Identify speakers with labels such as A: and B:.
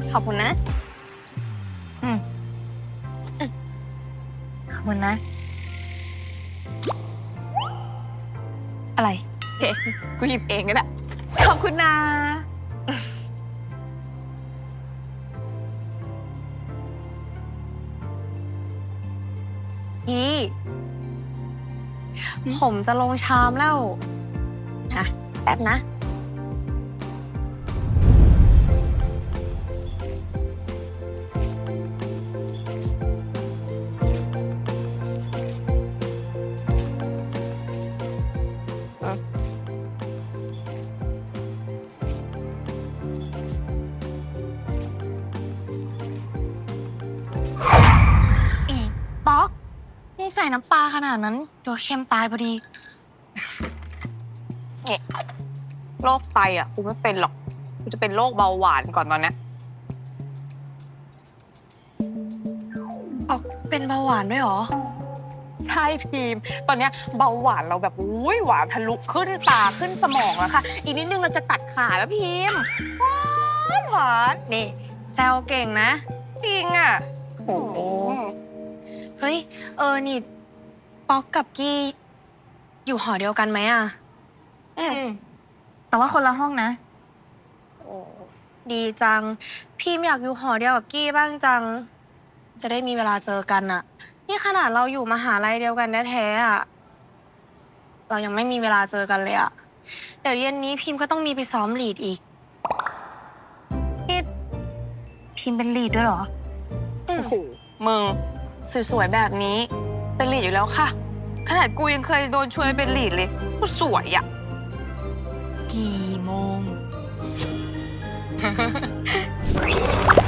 A: ขอบคุณนะ
B: ขอบคุณนะ
A: อะไรเฮ้กูหยิบเองก็ได้ขอบคุณนะพี่ผมจะลงชามแล้วค่ะแป๊บนะอีป๊อกนี่ใส่น้ำปลาขนาดนั้นเดี๋ยวเค็มตายพอดีเนี่ยโรคไตอ่ะกูไม่เป็นหรอกกูจะเป็นโรคเบาหวานก่อนตอนนี้ป๊อกเป็นเบาหวานด้วยเหรอใช่พิมตอนนี้เบาหวานเราแบบอุ้ยหวานทะลุขึ้นตาขึ้นสมองแล้วค่ะอีกนิดนึงเราจะตัดขาแล้วพิมหวานนี่แซวเก่งนะจริงอ่ะโอ้เฮ้ยนี่ป๊อกกับกี้อยู่หอเดียวกันไหมอ่ะ
B: แต่ว่าคนละห้องนะ
A: โอ้ดีจังพี่อยากอยู่หอเดียวกับกี้บ้างจังจะได้มีเวลาเจอกันอ่ะนี่ขนาดเราอยู่มหาลัยเดียวกันแท้ๆอ่ะเรายังไม่มีเวลาเจอกันเลยอ่ะเดี๋ยวเย็นนี้พิมก็ต้องมีไปซ้อมลีดอีก
B: นี่พิมพ์เป็นลีดด้วยเหรอ
A: โอ้โหมึงสวยๆแบบนี้เป็นลีดอยู่แล้วค่ะขนาดกูยังเคยโดนชวนเป็นลีดเลยกูสวยอ่ะ
B: กี่โมง